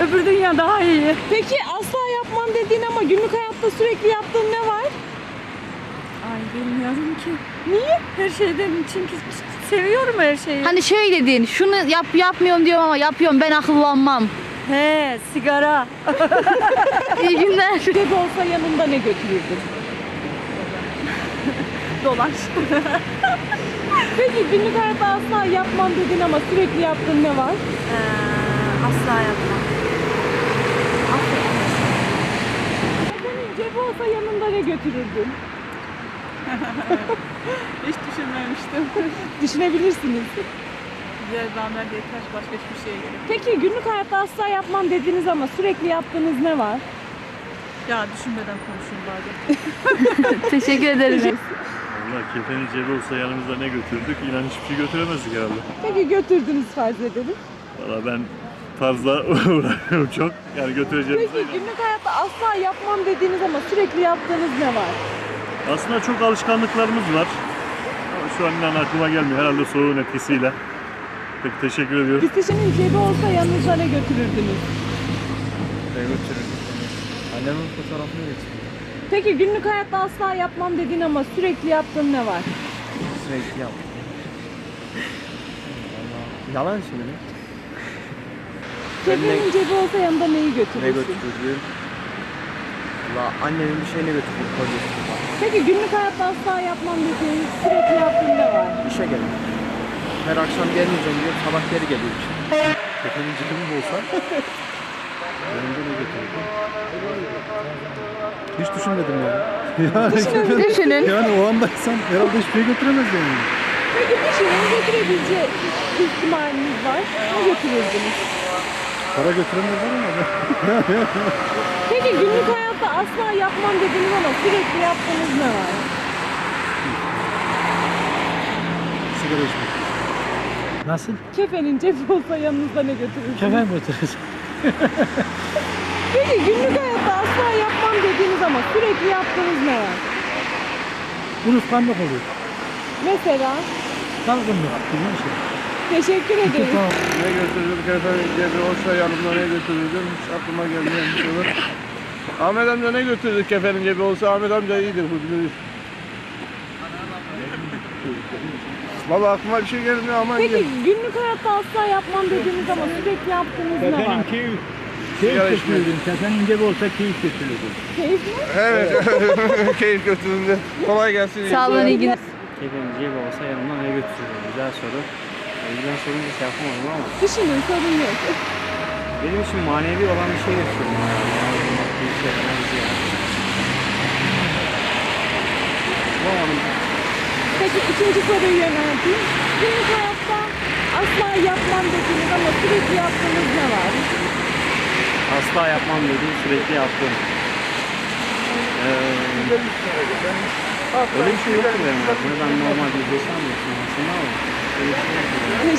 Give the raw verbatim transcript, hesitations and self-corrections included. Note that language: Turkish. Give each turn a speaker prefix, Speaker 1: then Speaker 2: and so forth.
Speaker 1: Öbür dünya daha iyi.
Speaker 2: Peki asla yapmam dediğin ama günlük hayatta sürekli yaptığın ne var?
Speaker 1: Ay bilmiyorum ki.
Speaker 2: Niye?
Speaker 1: Her şeyden çünkü seviyorum her şeyi.
Speaker 3: Hani şey dedin, şunu yap yapmıyorum diyorum ama yapıyorum, ben akıllanmam.
Speaker 1: He, sigara.
Speaker 3: İyi günler.
Speaker 2: Cebi olsa yanında ne götürürdün?
Speaker 1: Dolaş.
Speaker 2: Peki günlük hayatta asla yapmam dedin ama sürekli yaptığın ne var?
Speaker 1: Ee, asla yapmam.
Speaker 2: Senin cebi olsa yanında ne götürürdün?
Speaker 4: Hiç düşünmemiştim.
Speaker 2: Düşünebilirsiniz.
Speaker 4: Güzel zahmet yeter. Başka hiçbir şeye gerek yok.
Speaker 2: Peki günlük hayatta asla yapmam dediniz ama sürekli yaptığınız ne var?
Speaker 4: Ya düşünmeden konuşayım bazen.
Speaker 3: Teşekkür ederiz.
Speaker 5: Valla kefenin cebi olsa yanımızda ne götürdük? İnan hiçbir şey götüremezdik herhalde.
Speaker 2: Peki götürdünüz farz edelim.
Speaker 5: Valla ben tarzla uğraşıyorum çok. Yani götüreceğimize
Speaker 2: Peki
Speaker 5: inanıyorum.
Speaker 2: günlük hayatta asla yapmam dediğiniz ama sürekli yaptığınız ne var?
Speaker 5: Aslında çok alışkanlıklarımız var. Ama şu an inan aklıma gelmiyor. Herhalde soğuğun etkisiyle. Peki teşekkür ediyorum.
Speaker 2: Kişinin cebi olsa yanınıza ne götürürdünüz?
Speaker 6: Ne götürürdüm? Annemin fotoğrafını götürdüm.
Speaker 2: Peki günlük hayatta asla yapmam dediğin ama sürekli yaptığın ne var?
Speaker 6: Sürekli yaptım. Vallahi yalan söylüyorum.
Speaker 2: Kefenin cebi olsa yanında neyi
Speaker 6: Ne
Speaker 2: götürürsün?
Speaker 6: götürürdüm? Valla annemin bir şeyini götürdüm. Kolyesi var.
Speaker 2: Peki günlük hayatta asla yapmam dediğin sürekli yaptığın ne var?
Speaker 6: İşe geldim. Her akşam gelmeyeceğim diyor. Sabah geri geliyor işe.
Speaker 5: Kefenin cebim olsa yanımda ne götürürdüm?
Speaker 7: Hiç düşünmedim yani. yani,
Speaker 3: Düşünün.
Speaker 7: yani o anda insan herhalde hiçbir şey götüremez yani.
Speaker 2: Peki bir şeyin götürebileceği ihtimaliniz var. Ne götürürdünüz?
Speaker 7: Para götüremezler ama.
Speaker 2: Peki günlük hayatta asla yapmam dediğiniz ama sürekli yaptığınız ne var?
Speaker 7: Sigara içmek. Nasıl?
Speaker 2: Kefenin cebi olsa yanınızda ne götürürsünüz?
Speaker 7: Kefen götürürüz.
Speaker 2: Peki günlük hayatta asla yapmam dediğiniz ama sürekli yaptığınız ne var?
Speaker 7: Unutkanlık oluyor.
Speaker 2: Mesela
Speaker 7: Dalgınlık gibi bir şey.
Speaker 2: teşekkür ederiz.
Speaker 8: Ne götürürdüm? Kefenin cebi olsa yanımda ne götürürdüm? Hiç aklıma gelmeyen bir şey var. Ahmet amca ne götürdü kefenin cebi olsa? Ahmet amca iyidir, bu bilir. Vallahi aklıma bir şey gelmiyor ama
Speaker 2: Peki günlük hayatta asla yapmam dediğiniz ama sürekli yaptığınız ne var?
Speaker 7: keyif.
Speaker 8: Sigara içmek.
Speaker 7: Kefenin cebi olsa keyif götürürdüm.
Speaker 2: Keyif mi?
Speaker 8: Evet, keyif götürdüğünde. Kolay gelsin.
Speaker 3: Sağ olun, iyi günler.
Speaker 6: Kefenin cebi olsa yanımda ne götürürdüm? Güzel soru. Güzel sorunca şey yapamadım ama
Speaker 2: Düşünün, sorun yok.
Speaker 6: benim için manevi olan bir şey götürürdüm. Yani bir şey falan ziyade. Bulamadım.
Speaker 2: Peki ikinci soruyu yönelteyim. Günlük hayatta asla yapmam dediğiniz ama sürekli yaptığınız ne var?
Speaker 6: Asla yapmam dediğim sürekli yaptım. Ee, öyle bir şey yok ki benim hayatımda. Ben normal bir insan mıyım aslında ama öyle bir şey yok.